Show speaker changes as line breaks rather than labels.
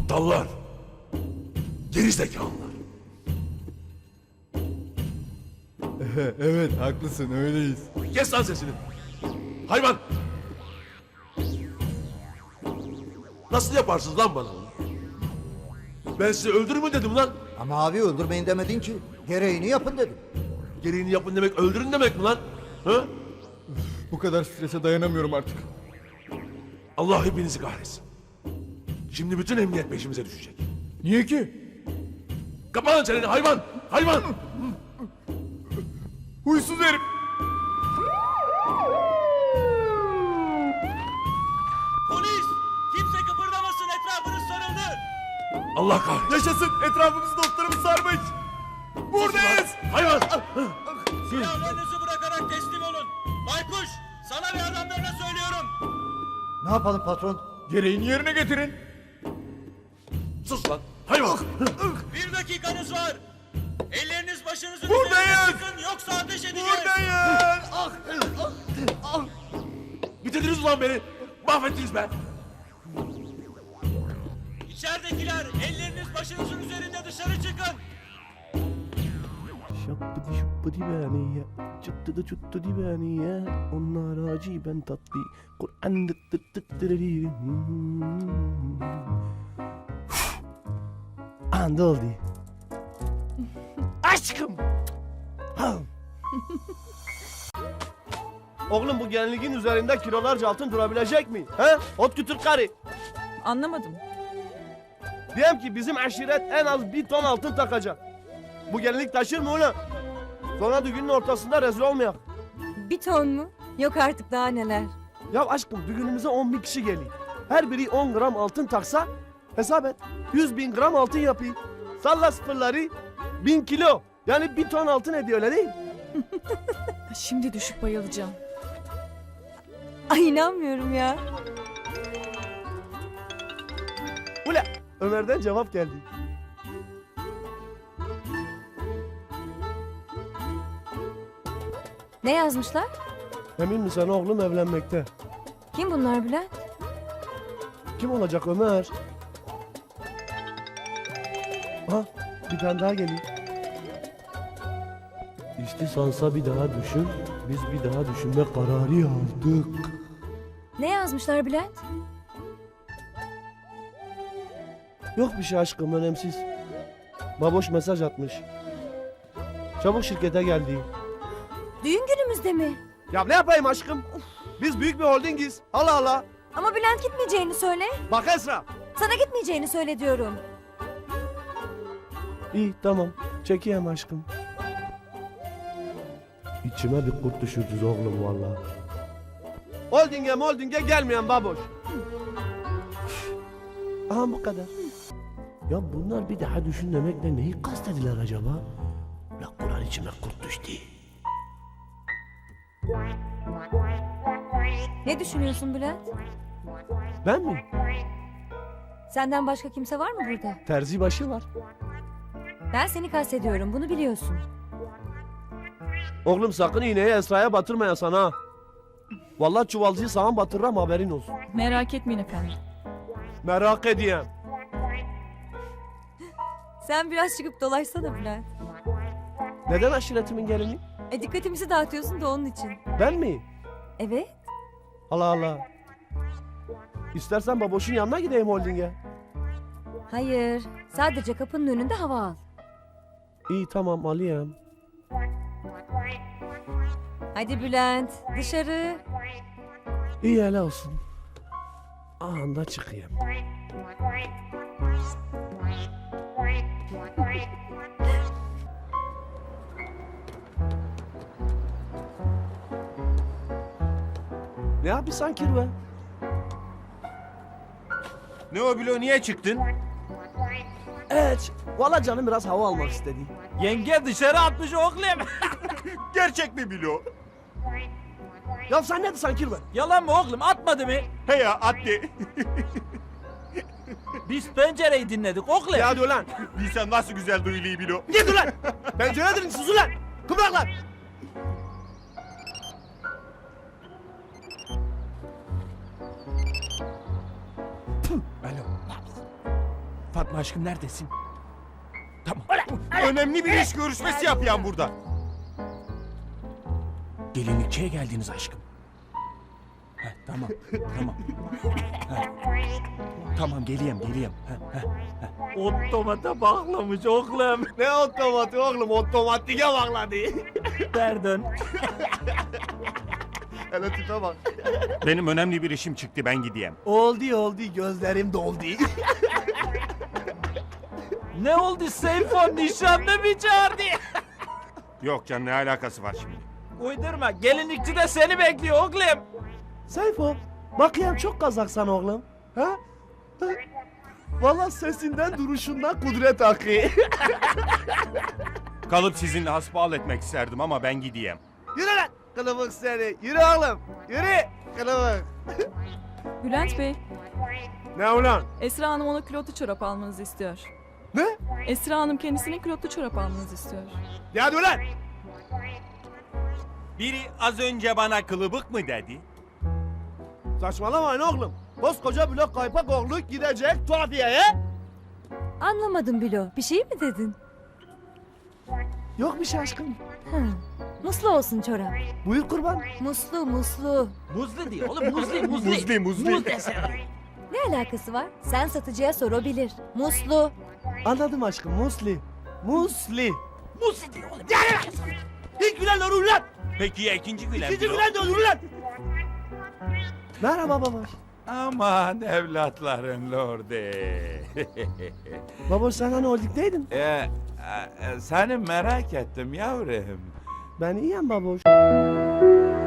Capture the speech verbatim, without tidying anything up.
Aptallar. Gerizekalılar.
Evet haklısın öyleyiz.
Kes lan sesini. Hayvan. Nasıl yaparsınız lan bana bunu? Ben size öldürün mü dedim lan?
Ama abi öldürmeyin demedin ki. Gereğini yapın dedim.
Gereğini yapın demek öldürün demek mi lan? Ha?
Bu kadar strese dayanamıyorum artık.
Allah hepinizi kahretsin. Şimdi bütün emniyet peşimize düşecek.
Niye ki?
Kapa lan çeneni hayvan! Hayvan!
Huysuz herif.
Polis! Kimse kıpırdamasın, etrafınız sarıldı.
Allah kahretsin.
Yaşasın etrafımızı dostlarımız sarmış. Buradayız.
Hayvan!
Silahlarınızı bırakarak teslim olun. Baykuş, sana ve adamlarına söylüyorum.
Ne yapalım patron?
Gereğini yerine getirin.
Sus lan! Hayvan!
Bir dakikanız var. Elleriniz başınızın
Buradayız.
üzerine çıkın, yoksa ateş edeceğiz.
Buradayız. Ah,
Bitirdiniz ulan beni! Mahvettiniz be!
İçeridekiler, elleriniz başınızın üzerinde dışarı çıkın.
Şappıdı şuppıdı beni ya, çıttı da çuttu di beni ya. Onlar acı ben tatlı, Kur'an dıt dıt dıt dırırı. Anda oldu. Aşkım. Ha. Oğlum bu genliğin üzerinde kilolarca altın durabilecek mi? He? Ot kütür karı.
Anlamadım.
Diyelim ki bizim aşiret en az bir ton altın takacak. Bu gelinlik taşır mı ulan? Sonra düğünün ortasında rezil olmayak.
Bir ton mu? Yok artık daha neler.
Ya aşkım düğünümüze on bin kişi geliyor. Her biri on gram altın taksa hesap et. Yüz bin gram altın yapayım. Salla sıfırları bin kilo. Yani bir ton altın ediyor öyle değil.
Şimdi düşüp bayılacağım. Ay inanmıyorum ya.
Ula Ömer'den cevap geldi.
Ne yazmışlar?
Emin misin oğlum evlenmekte?
Kim bunlar Bülent?
Kim olacak Ömer? Ha bir tane daha geliyor. İşte sansa bir daha düşün. Biz bir daha düşünme kararı aldık.
Ne yazmışlar Bülent?
Yok bir şey aşkım önemsiz. Baboş mesaj atmış. Çabuk şirkete geldi.
Düğün günümüzde mi?
Ya ne yapayım aşkım? Biz büyük bir holdingiz. Allah Allah.
Ama Bülent gitmeyeceğini söyle.
Bak Esra.
Sana gitmeyeceğini söyle diyorum.
İyi tamam. Çekeyim aşkım. İçime bir kurt düşürdünüz oğlum vallahi. Holdinge holdinge gelmeyen baboş. Aha bu kadar. Ya bunlar bir daha düşün demekle neyi kastediler acaba? La Kur'an içime kurt düştü.
Ne düşünüyorsun Bülent?
Ben mi?
Senden başka kimse var mı burada?
Terzi başı var.
Ben seni kastediyorum, bunu biliyorsun.
Oğlum sakın iğneyi Esra'ya batırmaya sana. Vallahi çuvalcıyı sana batırırım haberin olsun.
Merak etmeyin efendim.
Merak edeyim.
Sen biraz çıkıp dolaşsana Bülent.
Neden aşiretimin gelini?
E dikkatimizi dağıtıyorsun da onun için.
Ben mi?
Evet.
Allah Allah. İstersen baboşun yanına gideyim holdinge.
Hayır. Sadece kapının önünde hava al.
İyi tamam alayım.
Hadi Bülent, dışarı.
İyi hele olsun. Anda çıkayım. Ne yapıyorsun kirve?
Ne o Bilo, niye çıktın?
Evet. Valla canım biraz hava almak istedi.
Yenge dışarı atmış oğlum. Gerçek mi Bilo?
Ya sen ne diyorsun kirve?
Yalan mı oğlum, atmadı mı? He ya, attı. Biz pencereyi dinledik oğlum.
Ya hadi ulan.
Bilsen nasıl güzel duyuluyor Bilo.
Git ulan. Penceredir sus ulan. Kıvraklar.
Fatma aşkım neredesin? Tamam.
Önemli bir iş görüşmesi yapıyan burada.
Gelinlikçiye geldiniz aşkım. Heh, tamam, tamam. Heh. Tamam, geleyim, geleyim. Heh, heh, heh. Otomata bağlamış oğlum.
Ne otomatik oğlum, otomatike bağladı.
Pardon.
Hele tipe bak.
Benim önemli bir işim çıktı, ben gideyim.
Oldu oldu, gözlerim doldu.
Ne oldu Seyfo, nişanlı mı çağırdı?
Yok canım, ne alakası var şimdi?
Uydurma, gelinlikçi de seni bekliyor oğlum.
Seyfo, bakayım çok kazaksan oğlum. Ha? Ha? Valla sesinden duruşundan kudret akı.
Kalıp sizinle hasbihal etmek isterdim ama ben gideyim.
Yürü lan kılıbık seni. Yürü oğlum. Yürü kılıbık.
Bülent Bey,
Ne ulan?
Esra Hanım ona külotlu çorap almanızı istiyor.
Ne?
Esra Hanım kendisine külotlu çorap almanızı istiyor.
Ya dur lan.
Biri az önce bana kılıbık mı dedi?
Saçmalamayın oğlum. Koskoca blok kaypak oğlu gidecek tuhafiyeye.
Anlamadım Bilo. Bir şey mi dedin?
Yok bir şey aşkım.
Hı. Muslu olsun çorap.
Buyur kurban.
Muslu muslu.
Muzlu diyor oğlum, muzli, muzli.
Muzli, muzli.
Muz desene.
Ne alakası var? Sen satıcıya sor, o bilir. Muslu.
Anladım aşkım. Musli. Musli.
Muzli diyor oğlum.
İlk gülen olur lan.
Peki ya ikinci gülen?
İkinci gülen de olur lan. Merhaba babaş.
Aman evlatların lordi.
Babaş sen hani holdingdeydin?
e, e, seni merak ettim yavrum.
Ben iyiyim baboş.